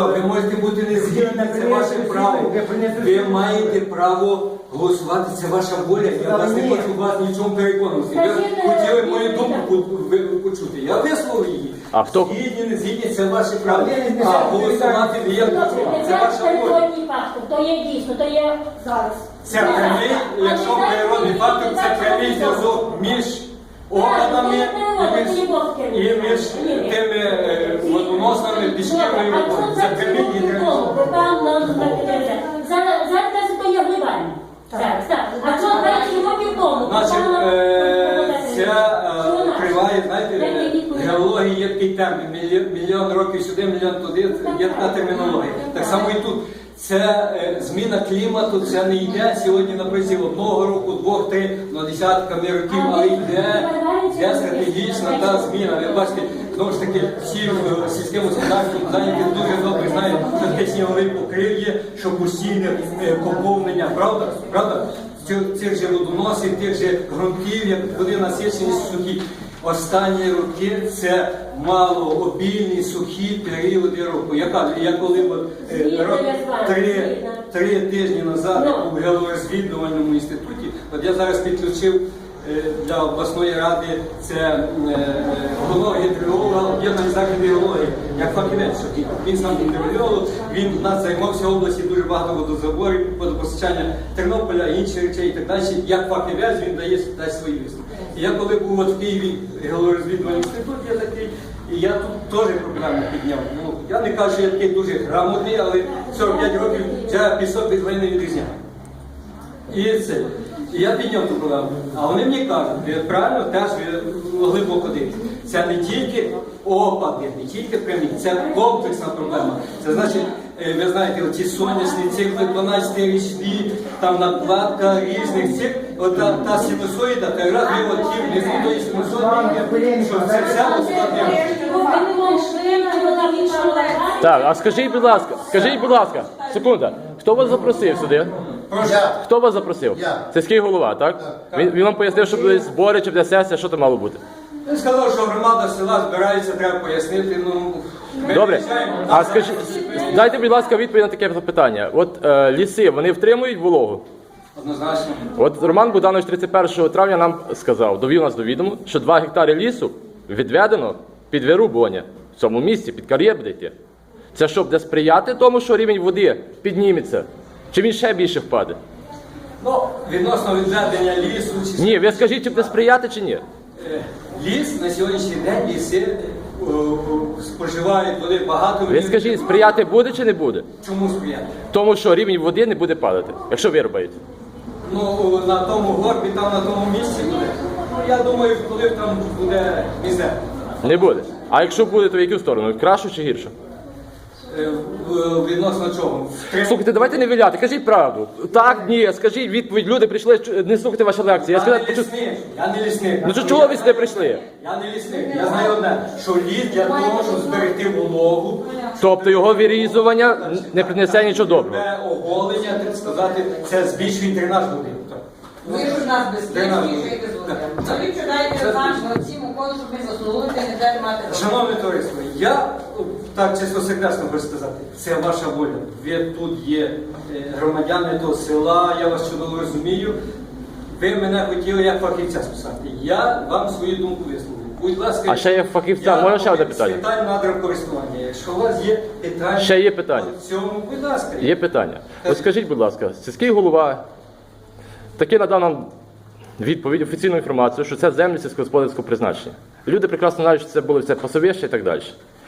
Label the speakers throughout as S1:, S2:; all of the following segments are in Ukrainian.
S1: право, ви можете бути не згідні, це ваше право. Ви маєте право голосувати, це ваша воля. Я вас не хочу вас нічому переконувати. Ви хотіли мою думку почути. Я висловив її.
S2: А хто?
S1: Згідні, не згідні, це ваше право. А голосувати не є це ваша воля.
S3: То є дійсно, то є зараз.
S1: Це прямий, якщо природний фактор, це прямий зв'язок між органами і між тими водоносними пішківною водою. Це прямий і
S3: Зараз то є вливання. А що 20 років тому?
S1: Значить, це триває, знаєте, геологія є такий термін. Мільйон років сюди, мільйон туди, є така термінологія. Так само і тут. Це зміна клімату, це не йде сьогодні на протязі одного року, двох, три, десятками років, але йде стратегічна та зміна. Ви бачите, знову ж таки, всі в сільському господарстві зайняті дуже добре знають, що таке сніговий покрив є, що постійне поповнення, правда? Правда? Цих же водоносів, тих же ґрунтів, як вони насичені сухі. Останні роки це малообільні, сухі періоди року. Я коли три тижні назад у геологорозвідувальному інституті, от я зараз підключив для обласної ради це головного гідрогеолога, об'єднаний заклад геології, як фахівець. Він сам гідрогеолог, він в нас займався в області дуже багато водозаборів, водопостачання Тернополя, інших речей і так далі. Як фахівець він дасть свої висновки. І я коли був от в Києві геологорозвідувальний інститут, я такий, і я тут теж проблеми підняв. Ну, я не кажу, що я такий дуже грамотний, але 45 років я пісок від глини відрізняв. І це. І я підняв ту проблему. А вони мені кажуть, ви правильно теж глибоко дивитесь. Це не тільки опади, не тільки прямі, це комплексна проблема. Це значить, ви знаєте, оці сонячні цикли, 12-річні, там накладка різних цих, от та синусоїда, та раз виводів внизу тої синусоїди, що це все ускладнює.
S2: Так, а скажіть, будь ласка, секунда, хто вас запросив сюди? Хто вас запросив? Сільський голова, так? Він вам пояснив, що буде збори чи буде сесія, що там мало бути?
S1: Він сказав, що громада села збирається, треба пояснити,
S2: Добре, а скажіть, дайте, будь ласка, відповідь на таке питання. От ліси, вони втримують вологу?
S1: Однозначно.
S2: От Роман Богданович 31 травня нам сказав, довів нас до відому, що 2 гектари лісу відведено під вирубування. В цьому місці, під кар'єр буде йти. Це що, буде сприяти тому, що рівень води підніметься? Чи він ще більше впаде?
S1: Ну, відносно відведення лісу...
S2: Ні, ви скажіть, чи буде сприяти, чи ні?
S1: Ліс на сьогоднішній день, ліси споживають води багато...
S2: Ви скажіть, сприяти буде чи не буде?
S1: Чому сприяти?
S2: Тому що рівень води не буде падати, якщо вирубаєте.
S1: Ну, на тому горбі, там на тому місці буде. Ну, я думаю, коли там буде мізер.
S2: Не буде. А якщо буде, то в яку сторону? Кращу чи гіршу?
S1: Відносно чого?
S2: Слухайте, давайте не виляти, кажіть правду. Так, ні, скажіть відповідь, люди прийшли, не слухайте ваші лекції.
S1: Я не лісник.
S2: Ну чого ви сюди прийшли?
S1: Я не лісник. Я знаю одне, що ліс для того, щоб зберегти вологу.
S2: Тобто його вирізування не принесе нічого доброго.
S1: Це оголення, так сказати, це збільшує дренаж води.
S4: Ви ж у нас безпечні, жити з водою. Ви вчинаєте реванш цим уходом, щоб ми заслугуєте і не далі мати роботу.
S1: Шановне товариство, я так чисто секретно хочу сказати, це ваша воля. Ви тут є громадяни того села, я вас чудово розумію. Ви мене хотіли як фахівця списати. Я вам свою думку висловлю. Будь ласка,
S2: А ще є фахівця, можна ще одне питання?
S1: Питань надрокористування. Якщо у вас є питання,
S2: Ще є питання.
S1: в цьому, будь ласка.
S2: Є питання. От скажіть, будь ласка, сільський голова таки надав нам відповідь, офіційну інформацію, що це землі сільськогосподарського призначення. Люди прекрасно знають, що це було все пасовище і так далі.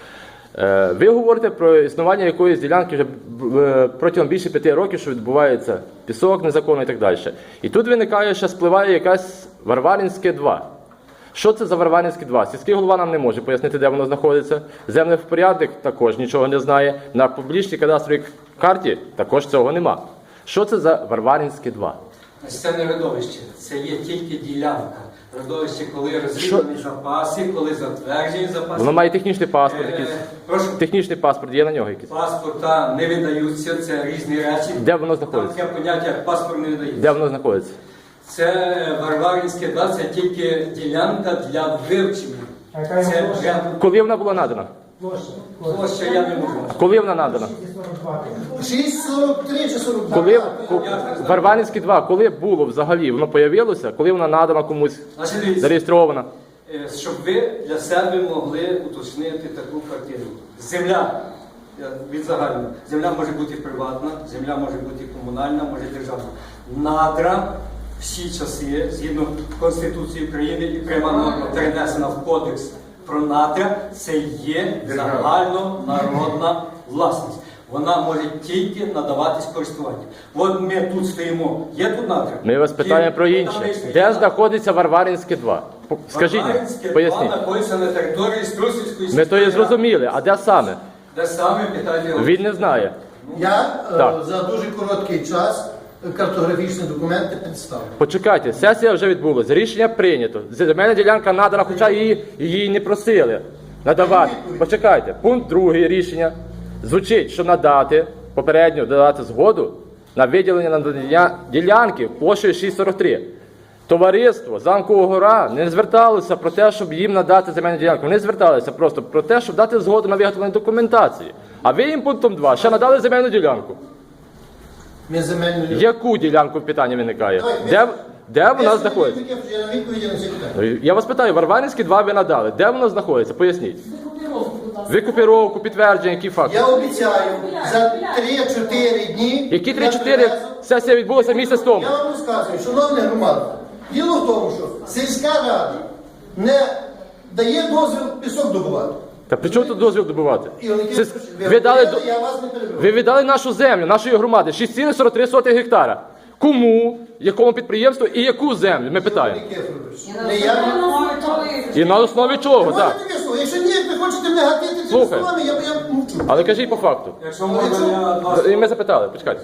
S2: Ви говорите про існування якоїсь ділянки вже протягом більше 5 років, що відбувається пісок незаконно і так далі. І тут виникає, що спливає якась Варваринське 2. Що це за Варваринське 2? Сільський голова нам не може пояснити, де воно знаходиться. Земний порядок також нічого не знає. На публічній кадастровій карті також цього нема. Що це за Варваринське 2?
S1: Це не родовище, це є тільки ділянка. Родовище, коли розвідувані запаси, коли затверджені запаси.
S2: Воно має технічний паспорт якийсь.
S1: Прошу.
S2: Технічний паспорт є на нього якийсь.
S1: Паспорта не видаються, це різні речі.
S2: Де воно знаходиться?
S1: Там таке поняття, як паспорт не видається.
S2: Де воно знаходиться?
S1: Це Варваринське 2, це тільки ділянка для вивчення. Це вже...
S2: Коли вона була надана?
S1: Площа я не можу.
S2: Коли вона надана?
S5: 6,43 чи 42.
S2: Коли Варваринські 2, коли було взагалі? Воно появилося? Коли вона надана комусь?
S1: Значить, дивіться,
S2: Зареєстрована?
S1: щоб ви для себе могли уточнити таку картину. Земля, я відзагальнюю, земля може бути приватна, земля може бути комунальна, може державна. Надра всі часи, згідно Конституції України, і пряма норма перенесена в Кодекс про надра, це є загальнонародна власність. Вона може тільки надаватись користуванню. От ми тут стоїмо, є тут надра?
S2: Ми вас питаємо про інше. Де знаходиться Варваринське 2? Скажіть,
S1: Варваринське
S2: поясніть.
S1: 2 знаходиться на території Струсівської
S2: Ми то є
S1: сільської ради.
S2: зрозуміли, а де саме?
S1: Де саме питання?
S2: Він не знає.
S5: Я
S2: Так.
S5: за дуже короткий час картографічні документи представлю.
S2: Почекайте, сесія вже відбулася, рішення прийнято. Земельна ділянка надана, хоча її не просили надавати. Почекайте, пункт 2 рішення звучить, що надати, попередньо додати згоду на виділення надання ділянки площею 6,43. Товариство Замкова Гора не зверталося про те, щоб їм надати земельну ділянку. Вони зверталися просто про те, щоб дати згоду на виготовлення документації. А ви їм пунктом 2 ще надали земельну ділянку.
S5: Ми земельну
S2: Яку ділянку питання виникає?
S5: Давай,
S2: Де вона знаходиться?
S5: Я на відповіді на ці питання.
S2: Я вас питаю, Варваринські 2 ви надали. Де воно знаходиться? Поясніть. Викупіровку, підтвердження, які факти?
S5: Я обіцяю за 3-4 дні.
S2: Які
S5: я
S2: 3-4?
S5: привезу.
S2: Сесія відбулася місяць тому.
S5: Я вам розказую, шановні громади, діло в тому, що сільська рада не дає дозвіл пісок добувати.
S2: Та при чому тут дозвіл добувати?
S5: І вони
S2: Це-
S5: кажуть,
S2: ви дали до-
S5: я вас не перебив.
S2: Ви віддали нашу землю, нашої громади, 6,43 гектара. Кому, якому підприємству і яку землю? Ми питаємо.
S5: Не я.
S2: І на основі чого, так.
S5: Можете висловити? Якщо ні, ви хочете мене гатити цими
S2: Слухай.
S5: словами, я мовчу.
S2: Але кажіть по факту.
S1: Якщо можна, я вас...
S2: І ми запитали, почекайте.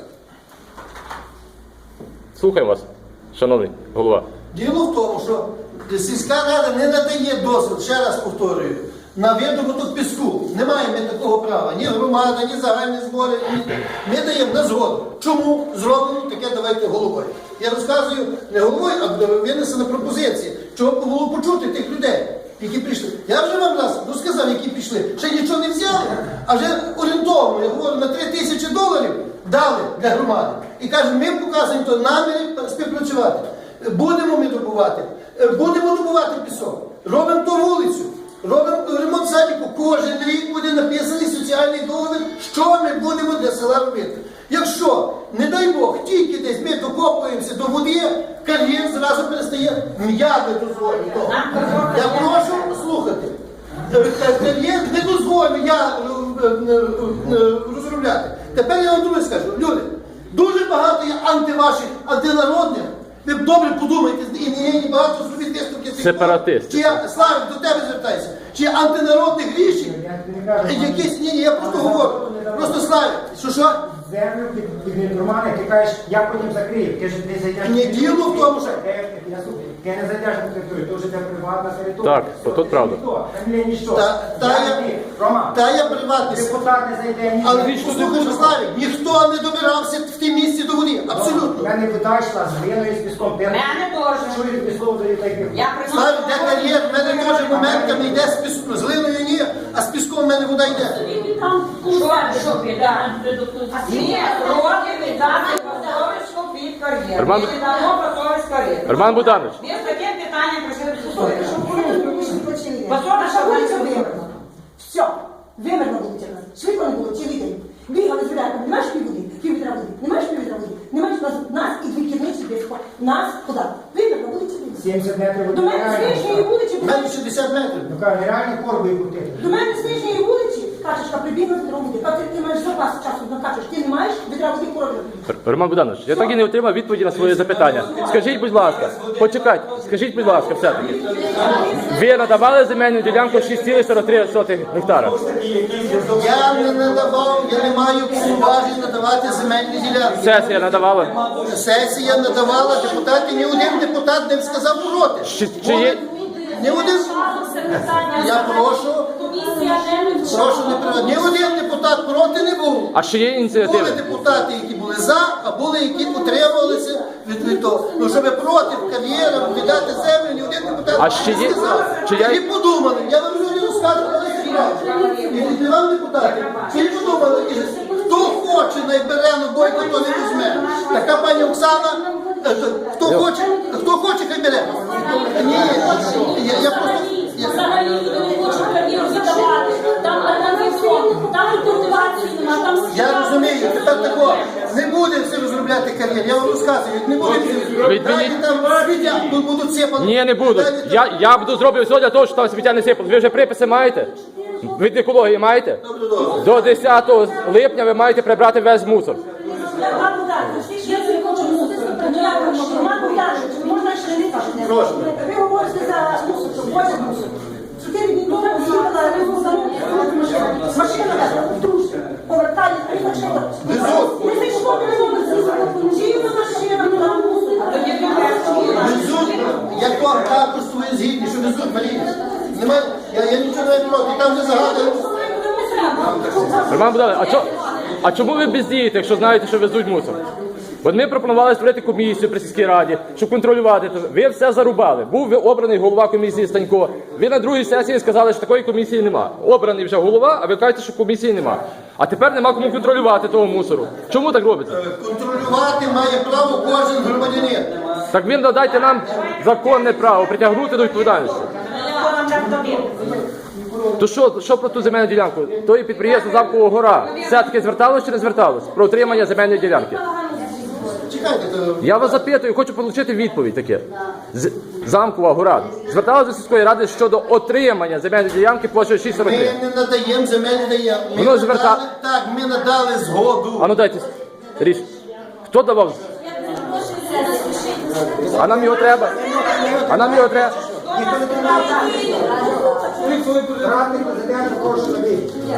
S2: Слухаємо вас, шановний голова.
S5: Діло в тому, що сільська рада не надає дозвіл, ще раз повторюю, на видобуток піску. Не маємо ми такого права. Ні громада, ні загальні збори. Ми даємо на згоду. Чому зроблено таке, давайте головою. Я розказую не головою, а винесена пропозиція. Чого б було почути тих людей, які прийшли. Я вже вам раз розказав, які пішли. Ще нічого не взяли, а вже орієнтовно, я говорю, на $3000 дали для громади. І кажуть, ми показуємо то наміри співпрацювати. Будемо ми добувати. Будемо добувати пісок. Робимо ту вулицю. Робимо ремонт садіку. Кожен рік буде написаний соціальний договір, що ми будемо для села робити. Якщо, не дай Бог, тільки десь ми докопуємося до води, кар'єр зразу перестає, я не дозволю того. Я прошу слухати. Кар'єр не дозволю я розробляти. Тепер я вам друге скажу. Люди, дуже багато є антиваших, антинародних. Ви добре подумайте, і багато зробіть виставки цих.
S2: Сепаратисти.
S5: Чи я, Славик, до тебе звертаюся. Чи є антинародних рішень? Якісь, ні, я просто говорю. Просто Славик, що?
S6: Землю під інформацію, ти кажеш, я потім закрию. Ти ж не зайдеш.
S5: Ні, діло в тому, що-
S6: Ти не зайдеш на територію, то вже це приватна територія.
S2: Так,
S6: Все,
S2: тут
S6: це
S2: правда.
S6: ніхто, Там є ніщо.
S5: Та я приватний.
S6: Депутат не зайде ні.
S5: Але послухай, що, Славик, ніхто не добирався в тій місці до води.
S6: У
S5: Абсолютно.
S6: мене вода йшла з глиною, з піском. Ти
S4: Мене теж.
S6: чуєш піском, то і так і
S4: Я
S5: Славик, де кар'єр, в мене теж моментами йде з піском. З глиною ні, а з піском в мене вода йде.
S3: Він там
S4: Що біда? Ні, роки віддати Пасовицьку під кар'єр.
S2: Роман-
S4: Ми віддамо Пасовицьку кар'єр.
S2: Роман Богданович.
S4: Ми з таким питанням прийшли до суду.
S7: Наша
S4: Пасовицька
S7: вулиця
S4: кар'єр.
S7: вимерла. Все, вимерла вулиця в нас. Швидко не було, цілий день. Бігали з відрами, не маєш півводи, піввідра води, не маєш піввідра води, не маєш нас і дві кірниці без нас куди? Вимерла вулиця.
S6: 70 метрів
S7: До мене з нижньої вулиці,
S5: В мене 60 метрів.
S6: Ну кажу, нереальні корби крутити.
S7: до мене з нижньої вулиці, качечка прибігла з відра води. Ти маєш запас часу накачеш, ти не маєш відра води корови.
S2: Роман Богданович, я так і не отримав відповіді на своє запитання. Скажіть, будь ласка, почекайте, скажіть, будь ласка, все-таки. Ви надавали земельну ділянку 6,43 гектара.
S5: Я не надавав, я не маю повноважень надавати земельні ділянки.
S2: Сесія надавала.
S5: Сесія надавала депутати, ні один депутат не сказав проти.
S2: Чи є...
S5: Ні один. Я прошу не приводити. Ні один депутат проти не був.
S2: А ще є
S5: Були
S2: ініціативи?
S5: депутати, які були за, а були, які утримувалися від того. Ну, щоб проти кар'єрам віддати землю, ні один депутат
S2: А ще
S5: не
S2: є-
S5: сказав.
S2: чи є-
S5: І подумали, я вам люди розкажу, але правильно. І від вам депутати. Ви подумали, хто хоче найбере, но Бойко, то не візьме. Така пані Оксана, хто хоче, хай бере. Ні, я просто...
S3: Взагалі люди не хочуть кар'єру віддавати. Там там мотивації нема, там
S5: Я розумію, тепер такого, не буде всі розробляти кар'єр, я вам розказую, не буде всі. Дайте там світя, будуть сипати.
S2: Ні, не буду. Я буду зроблю все для того, щоб там сміття не сипало. Ви вже приписи маєте? Від екології маєте? До 10 липня ви маєте прибрати весь мусор.
S7: Я це хочу мусити. Роман Богданович, можна ще не кажете. Ви говорите за мусор, що возять мусор. 4 дні тому з'їхала рибу машина дружка, повертає, а він почала. Не зайшло, не з'їхала. Чиїна машина, не дала мусор.
S5: Везуть, як то також свої згідні, що везуть, Марія. Немає, я нічого не проти, там не загадую.
S2: Роман Богданович, а чому ви бездієте, якщо знаєте, що везуть мусор? От ми пропонували створити комісію при сільській раді, щоб контролювати. Ви все зарубали. Був обраний голова комісії Станько. Ви на другій сесії сказали, що такої комісії нема. Обраний вже голова, а ви кажете, що комісії нема. А тепер нема кому контролювати того мусору. Чому так робиться?
S5: Контролювати має право кожен громадянин.
S2: Так він надайте нам законне право притягнути до відповідальності. То що про ту земельну ділянку? То є підприємство Замкова гора. Все-таки зверталось чи не зверталось? Про отримання земельної ділянки.
S5: Чекайте,
S2: Я вас запитую, хочу отримати відповідь таке. Замкова гора. Зверталась до сільської ради щодо отримання земельної ділянки площею 6,43.
S5: ми не надаємо земельні даємо. Ми надали згоду.
S2: А ну дайте річ. Хто давав? А нам його треба? А нам його треба?
S6: Радник президента, прошу собі.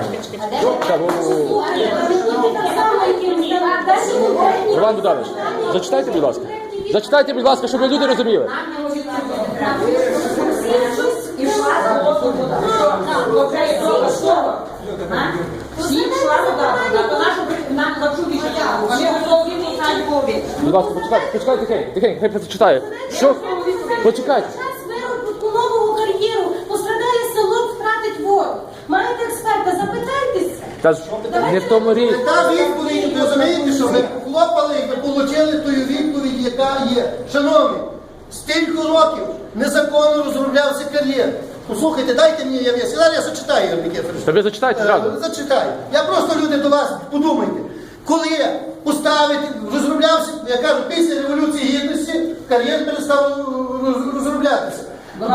S2: Роман Богданович, зачитайте, будь ласка. Зачитайте, будь ласка, щоб люди розуміли.
S4: Всі йшла вода, то нашу нам зачули, що ми готові не знають кого.
S2: Будь ласка, почекайте, тихенько, хай почитає. Що? Почекайте.
S8: Нового кар'єру пострадає село, втратить воду. Маєте експерта, запитайтеся.
S2: Та ж не в тому річ.
S5: Та відповідь, ви розумієте, що ви хлопали і ви отримали ту відповідь, яка є. Шановні, стільки років незаконно розроблявся кар'єр. Послухайте, дайте мені, я зачитаю, Ігор Никифорович.
S2: Та ви зачитайте зразу.
S5: Зачитаю. Я просто, люди, до вас подумайте. Коли поставити, розроблявся, я кажу, після Революції Гідності кар'єр перестав розроблятися.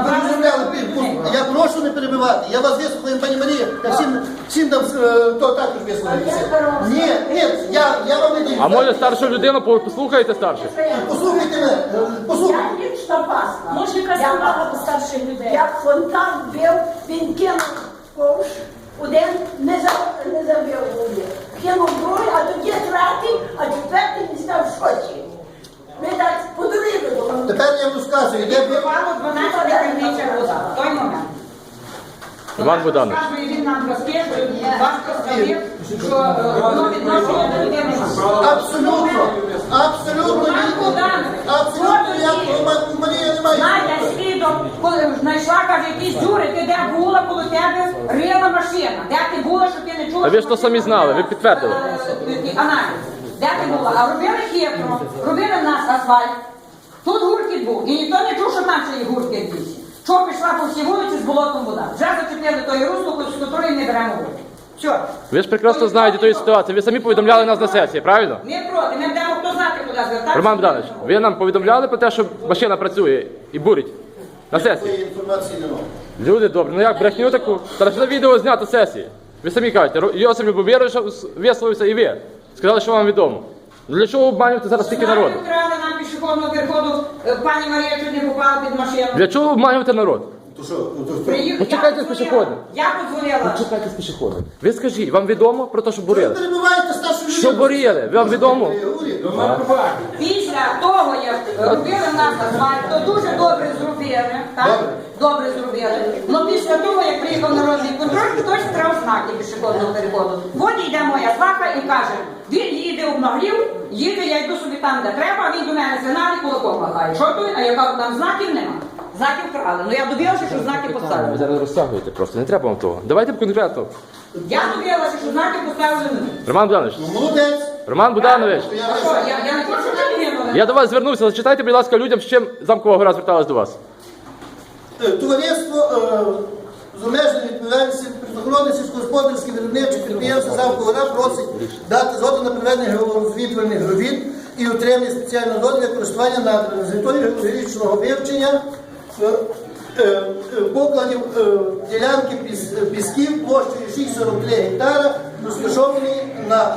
S5: Я прошу не перебивати. Я вас вислухаю, пані Марія. Я всім там то також вислухаюся. Ні, я вам не даю.
S2: А може старшу людину послухайте старше?
S5: Послухайте мене. Послухайте.
S7: Я лічно пасла.
S3: Може, якраз увага до старших людей.
S7: Як фонтан бив, він кинув ковш, один не забив води. Кинув другий, а тоді третій, а четвертий не став в шоці. Ми так подивили.
S5: Тепер я вам розказую, де ви...
S4: Бувало 12 криниця вода. В той момент.
S2: Іван Богданович.
S4: Розказує він нам розкішує, важко сказав, що воно відношує до людини.
S5: Абсолютно, Марія немає.
S4: Надя свідок, коли знайшла, каже, якісь дзюри, ти де була, коло тебе рила машина. Де ти була, що ти не чула?
S2: Та ви ж то самі знали, ви підтвердили.
S4: Аналіз. Де ти була? А робили хитро, робили в нас асфальт. Тут гуркіт був, і ніхто не чув, що там ще є гуркіт більше. Що пішла по всій вулиці з болотом вода. Вже зачепили той русло, з котрої не беремо воду. Що?
S2: Ви ж прекрасно знаєте тої ситуації. Ви самі повідомляли нас на сесії, правильно?
S4: Не проти, ми будемо хто знати, куди звертатися.
S2: Роман Богданович, ви нам повідомляли про те, що машина працює і бурить на сесії?
S5: Такої інформації немає.
S2: Люди добрі, ну як брехню таку? Та ж на відео знято сесії. Ви самі кажете, Йосип Любомирович висловився і ви. Сказали, що вам відомо. Для чого обманювати зараз стільки народу?
S4: Вкрали нам пішохідного переходу, пані Марія чуть не попала під машину.
S2: Для чого обманювати народ?
S5: То що?
S2: Почекайте з пішоходом.
S4: Я подзвонила.
S2: Чекайте з пішоходом. Ви скажіть, вам відомо про те, що
S5: Ви
S2: бурили?
S5: перебуваєте старшу людину.
S2: Що бурили? Вам відомо?
S4: Після того, як робили в нас асфальт, то дуже добре зробили. Так? Добре зробили. Но після того, як приїхав народний контроль, хтось вкрав знаки пішохідного переходу. От йде моя сваха і каже, він їде обнаглів, їде, я йду собі там, де треба, а він до мене сигналить, кулаком махає. Що тут? А я кажу, там знаків нема. Знаки вкрали. Ну я добилася, що знаки
S2: Ви
S4: поставили.
S2: зараз розтягуєте просто, не треба вам того. Давайте конкретно.
S4: Я добилася, що знаки поставили мені.
S2: Роман Богданович,
S5: Молодець.
S2: Роман Богданович,
S5: Я
S4: А що, я не хочу так.
S2: я до вас звернувся, зачитайте, будь ласка, людям, з чим Замкова гора зверталась до вас.
S5: Товариство з обмеженою відповідальністю природоохоронних сільськогосподарських виробничих підприємств Замкова гора просить дати згоду на проведення геологорозвідувальних робіт і отримання спеціального дозволу для користування надрами з метою геологічного вивчення покладів ділянки пісків площею 6,43 гектара, розташовані на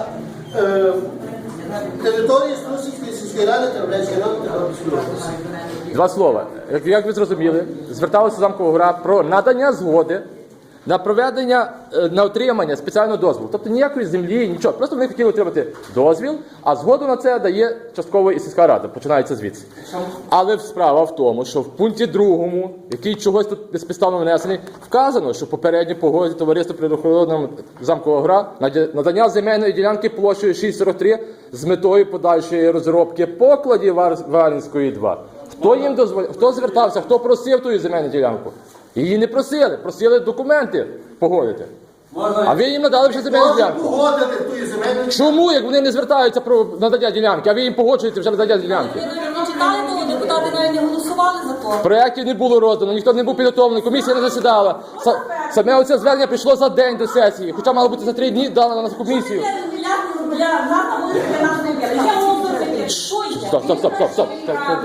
S5: території Струсівської сільської ради Тернопільської ради Тернопільської області.
S2: Два слова. Як ви зрозуміли, зверталася Замкова гора про надання згоди на проведення, на отримання спеціального дозволу. Тобто ніякої землі, нічого. Просто вони хотіли отримати дозвіл, а згоду на це дає частково і сільська рада. Починається звідси. Але справа в тому, що в пункті 2, який чогось тут безпідставно внесений, вказано, що попередньо погодить товариство природоохоронного Замкова гора надання земельної ділянки площею 6,43 з метою подальшої розробки покладів Варвинської 2. Хто їм дозволяв? Хто звертався? Хто просив ту земельну ділянку? Її не просили, просили документи погодити. А ви їм надали вже земельну
S5: Можна
S2: ділянку.
S5: погодити ту земельну.
S2: Чому, як вони не звертаються про надання ділянки, а ви їм погоджуєте вже надання ділянки?
S3: Ви навіть не читали того, депутати навіть не голосували за то.
S2: Проєктів не було роздано, ніхто не був підготовлений, комісія не засідала. Саме оце звернення прийшло за день до сесії, хоча мало бути за 3 дні дано на комісію. Стоп, стоп, стоп, стоп, стоп.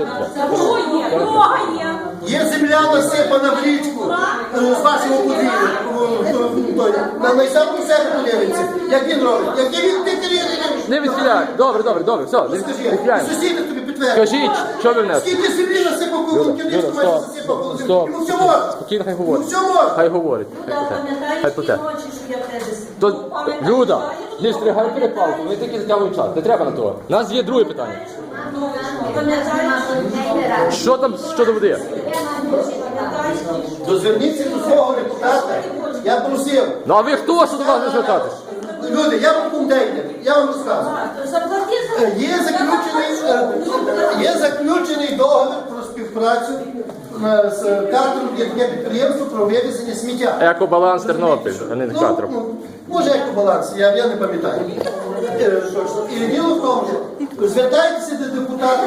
S5: Є земля насипана в річку з вашого подвір'я. На сам у себе подивиться. Як він робить? Як він
S2: Не відхиляй. Добре, добре, добре, все, не
S5: Скажи,
S2: відхиляємо.
S5: сусіди тобі підтвердять.
S2: Скажіть, що ви внесли?
S5: Скільки землі насипав
S2: Люда,
S5: Кукурківницьку,
S2: Люда,
S5: майже
S2: стоп,
S5: засипав Кукурківницьку.
S2: стоп.
S5: Йому все можна.
S2: Спокійно, хай
S5: Йому
S2: говорить.
S5: все можна.
S2: Хай говорить. Хай плете. То, Люда, не стригай перепалку, вони тільки затягують час. Не треба на того. У нас є друге питання. Що там щодо води?
S5: Дозверніться до свого депутата. Я просив.
S2: Ну а ви хто, що до вас не звертатись?
S5: Люди, я вам контейнер, я вам розказую. Є заключений договір про співпрацю з Катером, яке підприємство про вивезення сміття.
S2: Екобаланс Тернопіль, а не Катров.
S5: Може екобаланс, я не пам'ятаю. Точно. І діло в тому, що звертайтеся до депутата,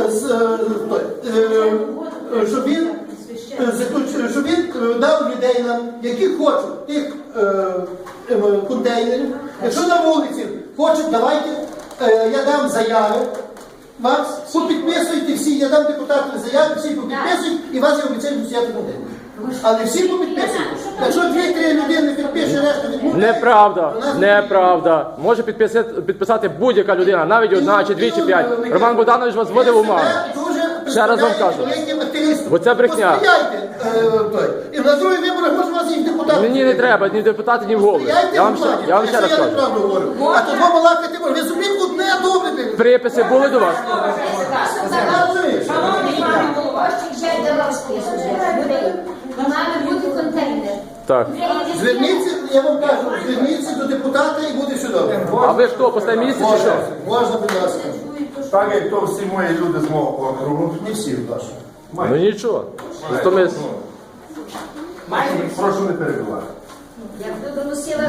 S5: щоб він дав людей нам, які хочуть тих контейнерів. Якщо на вулиці хочуть, давайте, я дам заяви. Вас попідписуйте всі, я дам депутатам заяви, всі попідписують, і вас я обіцяю взяти контейнер. Але всі попідписують. Якщо 2-3 людини підпише, решта відмовляє.
S2: Неправда, неправда. Може підписати будь-яка людина, навіть одна, чи 2, чи 5. Роман Богданович вас вводив у оману. Ще раз вам кажу. Бо це брехня.
S5: Посприяйте, і на другий виборах може вас і депутати.
S2: Мені не треба ні депутати, ні в голови. Я вам ще раз кажу.
S5: А то два балакати можна. Ви собі одне добре.
S2: Приписи були до вас?
S8: Має бути контейнер.
S2: Так.
S5: Зверніться, я вам кажу, зверніться до депутата і буде все добре.
S2: А ви хто, по місці чи що?
S5: Можна, будь ласка.
S9: Так як то всі мої люди з мого округу.
S5: Не всі, ваші.
S2: Ну нічого. Зато ми...
S9: Прошу не перебивати.
S8: Як доносила,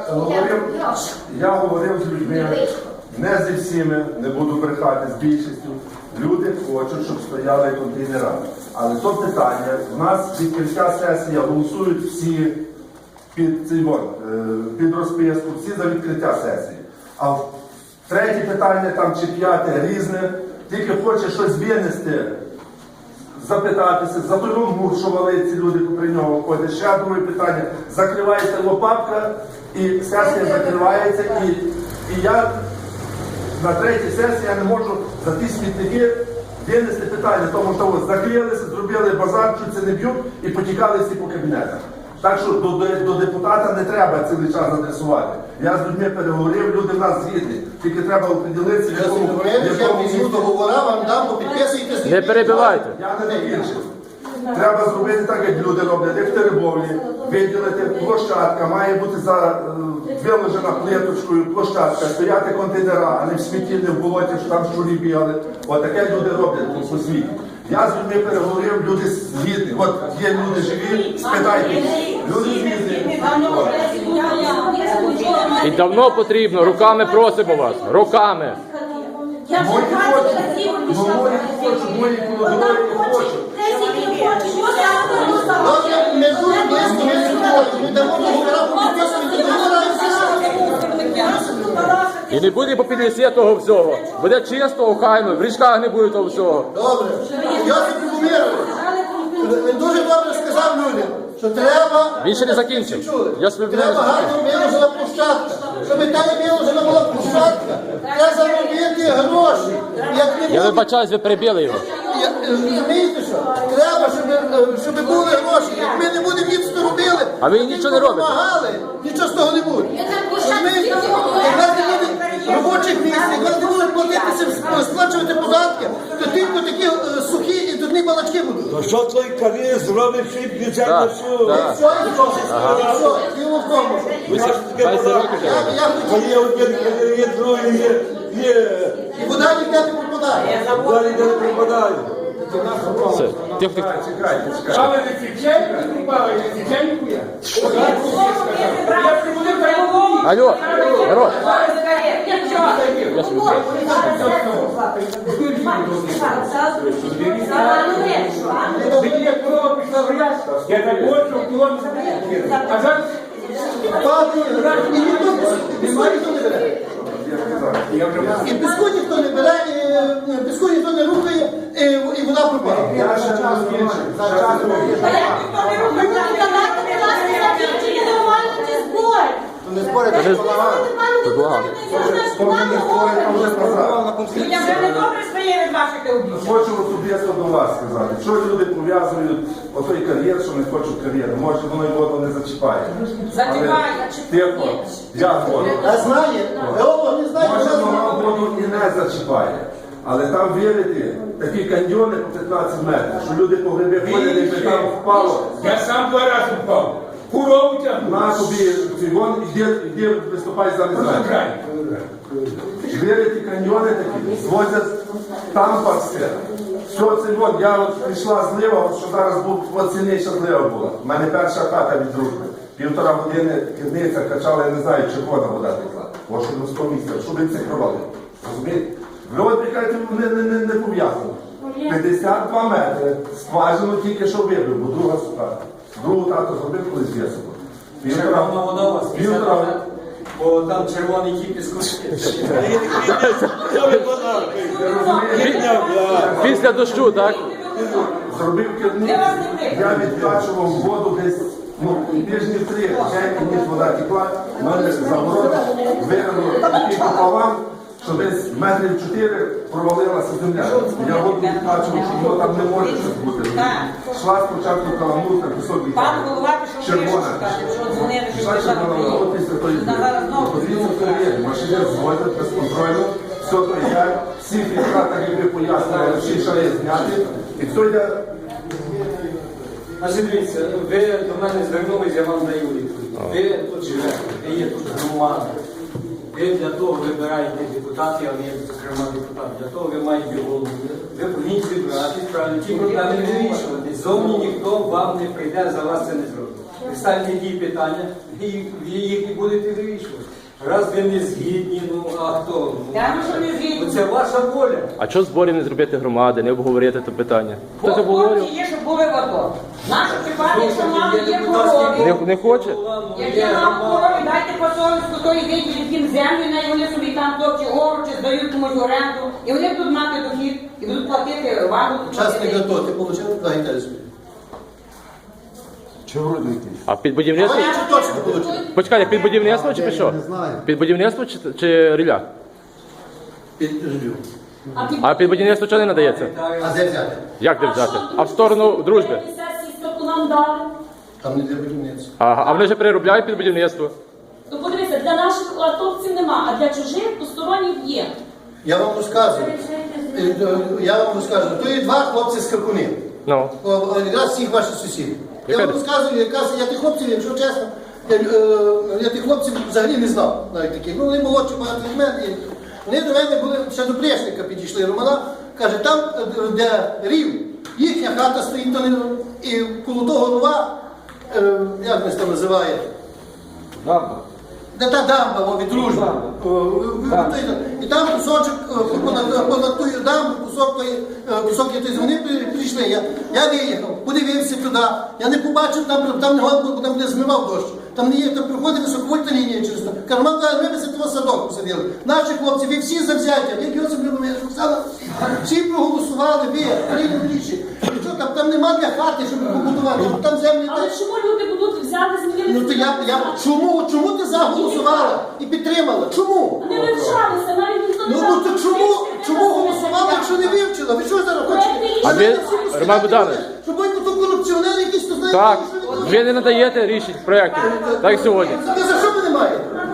S9: Я говорив з людьми, не зі всіми, не буду брехати, з більшістю. Люди хочуть, щоб стояли контейнери. Але то питання, в нас відкриття сесії голосують всі під розписку, всі за відкриття сесії. А третє питання там чи п'яте різне, тільки хоче щось винести, запитатися, за той мур, що валить ці люди, при нього ходять. Ще друге питання, закривається лопатка і сесія закривається. І я на третій сесії я не можу за ті смітники винести питання, тому що ось закрилися, зробили базар, чуть це не б'ють і потікали всі по кабінетах. Так що до депутата не треба цілий час адресувати. Я з людьми переговорив, люди в нас згідні. Тільки треба оприділитися, в
S5: Я візьму договора, вам дам, попідписуйте.
S2: Не перебивайте.
S9: Я не закінчив. Треба зробити так, як люди роблять, як в Теребовлі, виділити площадка, має бути виложена плиточкою площадка, стояти контейнера, а не в смітті, не в болоті, що там щурі бігали. Отаке люди роблять по світі. Я з людьми переговорив, люди згідні. От є люди живі, спитайте. Люди згідні.
S2: І давно потрібно, руками просимо вас, руками.
S7: Я вже
S9: Мої
S7: 20
S9: хочуть,
S7: разів
S9: ну мої хочуть, мої колодові хочуть.
S5: Добре, ми дуже близько, ми сьогодні. Ми дамо договора, підписуємо договора і все.
S2: І не буде по 50 того всього. Буде чисто, охайно, в річках не буде того всього.
S5: Добре. Йосип Любомирович, він дуже добре сказав людям, що треба...
S2: Він ще не закінчив.
S5: Чули?
S2: Я собі
S5: Треба гарно виложена площадка. Щоб та не виложена була площадка, треба заробити гроші. Як не
S2: Я
S5: буде...
S2: вибачаюсь, ви перебили його.
S5: Розумієте що? Треба, щоб були гроші. Як ми не будемо ніц робили,
S2: А ви нічого не робите.
S5: допомагали, нічого з того не буде. Розумієте? Як нас не буде робочих місць, як нас не будуть платитися, сплачувати податки, то тільки такі сухі і дурні балачки будуть.
S10: То що той кар'єр зробив свій бюджет
S2: Так,
S10: на всю?
S2: так.
S5: Що і що? Діло в тому, що
S2: 20 років вже.
S5: я хотів,
S10: Коли один кар'єр є, другий є.
S5: і вода ніде не попадає.
S10: Далі не припадає.
S2: Все. Тихо, тихо.
S9: Чекайте.
S6: Але не Фіченко купали, не Фіченко я. Я прибудив перемогу.
S2: Алло, народ. Я собі знаю.
S6: Мені як корова пішла в ряд, я так хочу, кілометр. А зараз
S5: Падає, і ніхто не бере. І піску ніхто не бере, і піску ніхто не рухає, і вода пропала.
S9: Я ще час більше.
S5: Не спорите,
S2: Це благо.
S4: Людям вже не добре стає від ваших обіцянок.
S9: Хочу особисто до вас сказати, що люди пов'язують отой кар'єр, що не хочуть кар'єру. Може воно й воду не зачіпає.
S4: Зачіпає.
S9: Тихо, я воду.
S5: Я знаю, Геолог не знає,
S9: Може
S5: що
S9: воно воду і не зачіпає. Але там вірити, такі каньйони по 15 метрів, що люди по гриби ходять, якби там впало.
S6: я сам 2 рази впав. Корову тягну.
S9: На тобі цигон, іди виступай за незнання. Вірити каньйони такі, звозять там пасти. Все, цигон, я от прийшла злива, от що зараз от сильніша злива була. У мене перша хата від дружби. 1,5 години керниця качала, я не знаю, червона вода текла. Ось на 100 місця, щоб він це провалив. Розумієте? Ви от прикажете, не пов'язано. 52 метри, скважину тільки що вибив, бо друга сука. Другу тато зробив колись в'ясово.
S1: Червона вода у вас, 50 метрів, бо там червоний кіпіс
S2: Після дощу, так?
S9: Зробив керницю, я відкачував воду десь, тижнів 3, вже ніж вода текла, в мене загорода вигнуло такий пополам, що десь метрів 4 провалилася земля. Я воду відкачував, що воно там не може щось бути. Йшла спочатку каламутка, пісок
S4: Пан
S9: відкачував.
S4: голова пішов
S9: Червона.
S4: вирішити, що дзвонили, що
S9: Пішла
S4: державна
S9: червона, от після тої подивіться перевірки, машини звозять безконтрольно, все то йде, всі фільтра, так як ви пояснили, всі шари зняти, і все йде.
S1: Значить, дивіться, ви до мене звернулись, я вам даю відповідь. Ви тут живете, ви є тут громада. Ви для того вибираєте депутатів, а не зокрема депутат. Для того ви маєте голову. Ви повинні зібратись, правильно, ті проблеми не вирішувати. Зовні ніхто вам не прийде, за вас це не зробить. Ви ставите ті питання, ви їх і будете вирішувати. Раз ви не згідні, ну а хто?
S4: Я що не згідні.
S1: Це ваша воля.
S2: А чого зборів не зробити громади, не обговорити це питання? Хтось обговорював?
S4: Хлопці є, щоб були в АТО. Наші чіпати, що мали є корові.
S2: Не хоче?
S4: Як я мав корові, дайте по совістку той відділ, яким землю, на вони собі там топчі гору, чи здають комусь оренду, і вони будуть мати дохід, і будуть платити вагу.
S5: Частник АТО, ти отримав 2 гектари землі.
S2: А під будівництво?
S5: Я чи точно отримав?
S2: Почекайте, під будівництво чи під що? Під будівництво чи ріля?
S5: Під життю.
S2: А під будівництво чого не надається?
S5: А де взяти?
S2: Як де взяти? А в сторону дружби?
S3: Нам дали.
S5: Там не для будівництва.
S2: А вони вже переробляють під будівництво.
S3: Ну подивіться, для наших атовців нема, а для чужих посторонніх є.
S5: Я вам розказую. То є 2 хлопці з Каркунів.
S2: Ну.
S5: Якраз всіх ваших сусідів. Я
S2: Яка
S5: вам розказую, я тих хлопців, якщо чесно, я тих хлопців взагалі не знав. Навіть таких. Ну, вони молодші багато від мене. Вони до мене були, ще до Плешника підійшли Романа. Каже, там, де рів, Їхня хата стоїть і коло того рова, як ми це називає?
S10: Дамба.
S5: Де та дамба, від дружби. І там кусочок, понад тою дамбу, кусок якийсь, вони прийшли. Я виїхав, подивився туди, я не побачив, там не гонку, там де змивав дощ. Там не є, там проходить високовольтна лінія через то. Карман каже, ми би за того садок посадили. Наші хлопці, ви всі завзяття, як Йосип Любомирович, Оксана, всі проголосували, ви, прийняли рішення. І що, там нема для хати, щоб побудувати, там землі.
S3: Але чому люди будуть взяти змінили?
S5: Ну то чому ти заголосувала і підтримала? Чому?
S3: Вони вивчалися, навіть ніхто не
S5: Ну то чому голосувала, якщо не вивчила? Ви що зараз хочете?
S2: А ви, Роман Богданович,
S5: Щоб ви то корупціонери якісь, то знаєте,
S2: так,
S5: що ви
S2: ви не надаєте рішень проєктів, так як сьогодні.
S5: Ви за що ви не маєте?